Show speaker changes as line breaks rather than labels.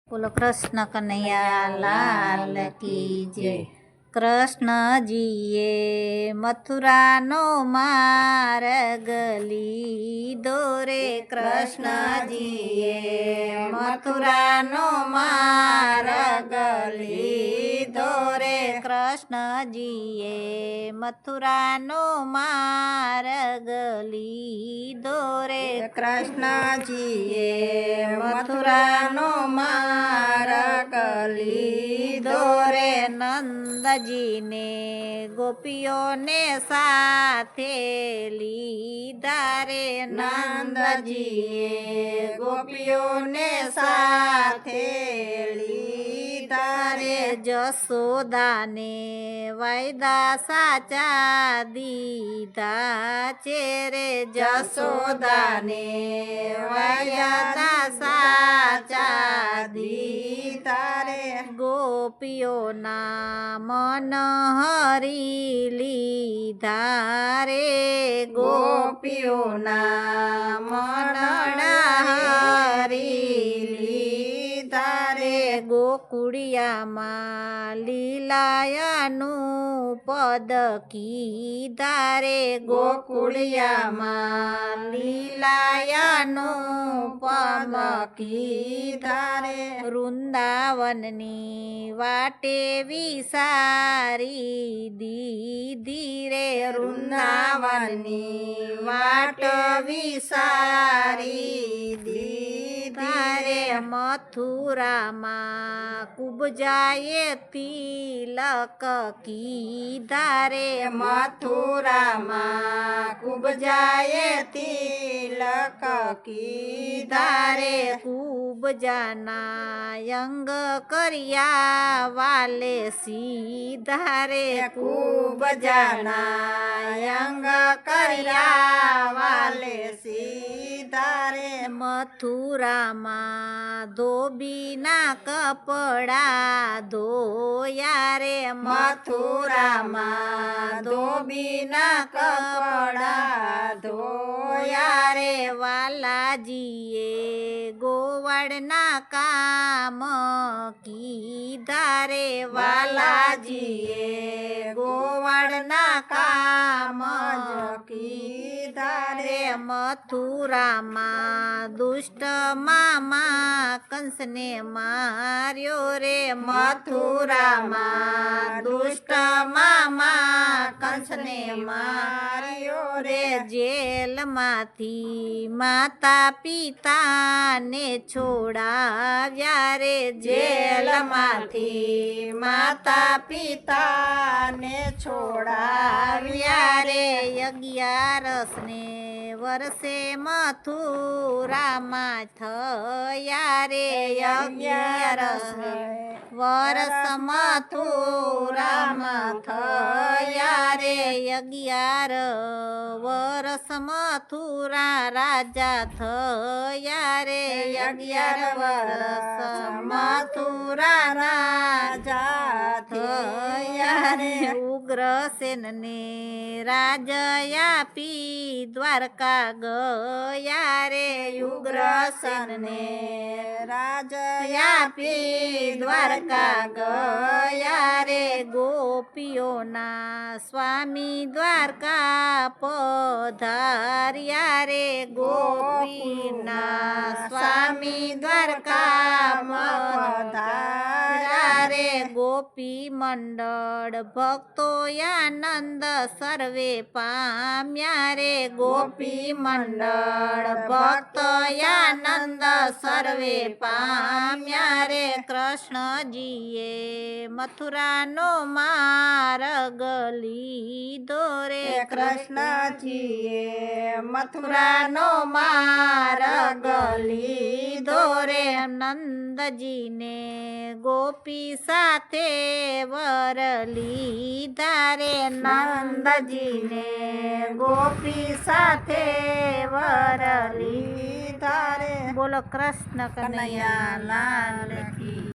બોલો કૃષ્ણ કનૈયા લાલ કી જય। કૃષ્ણજીએ મથુરાનો માર્ગ લીધો રે, કૃષ્ણજીએ મથુરાનો માર્ગ લીધો રે, કૃષ્ણજીએ મથુરાનો માર્ગ લીધો રે, કૃષ્ણજીએ મથુરાનો માર્ગ લીધો રે। નંદજીને ગોપીઓને સાથે લીધા રે, નંદજીએ ગોપીઓને સાથે લીધા રે। જશોદાને વાયદા સાચા દીધા છે રે, જશોદાને વાયદા સાચા દીધા રે। ગોપીઓના મન હરી લીધા રે, ગોપીઓના મનડા હરી લીધા રે। ગોકુળિયામાં લીલાયાનું પદ કીધા રે, ગોકુળિયામાં લીલાયાનું પદ કીધા રે। વૃંદાવનની વાટે વિસારી દીધી રે, વૃંદાવનની વાટ વિસારી દીધી રે। મથુરામાં કુબજાએ તિલક કીધા રે, મથુરામાં કુબજાએ તિલક કીધા રે। કુબજાના અંગ કર્યા વાલે સીધા રે, કુબજાના અંગ કર્યા વાલે સીધા રે। મથુરામાં ધોબીના કપડા ધોયા રે, મથુરામાં ધોબીના કપડા ધોયા રે। વાલાજીએ ગોવાળના કામ કીધા રે, વાલાજીએ ગોવાળના કામ કીધા રે। મથુરામાં દુષ્ટ મામા કંસને માર્યો રે, મથુરામાં દુષ્ટ મામા કંસને માર્યો રે। જેલમાંથી માતા પિતાને છોડાવ્યા રે, જેલમાંથી માતા પિતાને છોડાવ્યા રે। 11ને વર્ષે મથુરામાં થયા રે, 11 વર્ષ મથુરામાં થયા રે। 11 વર્ષ મથુરા રાજા થયા રે, 11 વર્ષ મથુરા રાજા થયા રે। ઉગ્રસેનને રાજ્ય આપી દ્વારકા ગયા રે, ઉગ્રસેનને રાજ્ય આપી દ્વારકા ગયા રે। ગોપીઓના સ્વામી દ્વારકા પધાર્યા રે, ગોપીના સ્વામી દ્વારકા પધાર્યા રે। ગોપી મંડળ ભક્તો આનંદ સર્વે પામ્યા રે, ગોપી મંડળ ભક્તો આનંદ સર્વે પામ્યા રે। કૃષ્ણજીએ મથુરાનો માર્ગ લીધો રે, કૃષ્ણજીએ મથુરાનો માર્ગ લીધો રે। નંદજીને ગોપી સાથે વર લીધા રે, નંદજીને ગોપી સાથે વર લીધા રે। બોલો કૃષ્ણ કનૈયા લાલ કી।